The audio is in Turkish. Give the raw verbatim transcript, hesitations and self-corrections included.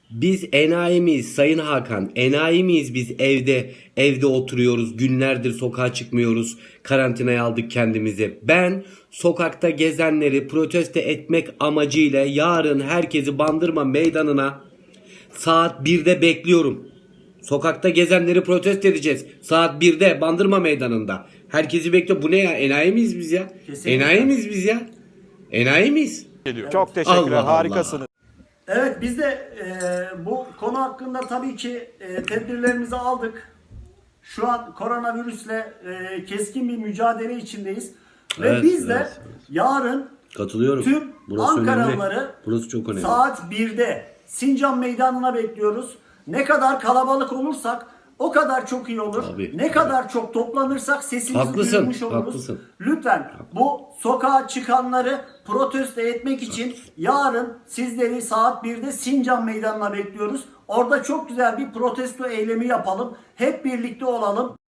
Biz enayi miyiz Sayın Hakan? Enayi miyiz biz evde evde oturuyoruz, günlerdir sokağa çıkmıyoruz, karantinaya aldık kendimizi. Ben sokakta gezenleri protesto etmek amacıyla yarın herkesi Bandırma Meydanı'na saat birde bekliyorum. Sokakta gezenleri protesto edeceğiz. Saat birde Bandırma Meydanı'nda. Herkesi bekliyor. Bu ne ya? Enayi miyiz biz ya? Kesinlikle. Enayi miyiz biz ya? Enayi miyiz? Çok teşekkürler. Allah Allah. Harikasınız. Evet, biz de e, bu konu hakkında tabii ki e, tedbirlerimizi aldık. Şu an koronavirüsle e, keskin bir mücadele içindeyiz. Ve Evet, biz de evet, evet. yarın Katılıyorum. tüm Burası Ankaralıları önemli. Burası çok önemli. saat birde Sincan Meydanı'na bekliyoruz. Ne kadar kalabalık olursak o kadar çok iyi olur. Tabii, ne tabii. kadar çok toplanırsak sesimizi Haklısın, duyurmuş oluruz. haklısın. Lütfen bu sokağa çıkanları protesto etmek için yarın sizleri saat birde Sincan Meydanı'na bekliyoruz. Orada çok güzel bir protesto eylemi yapalım. Hep birlikte olalım.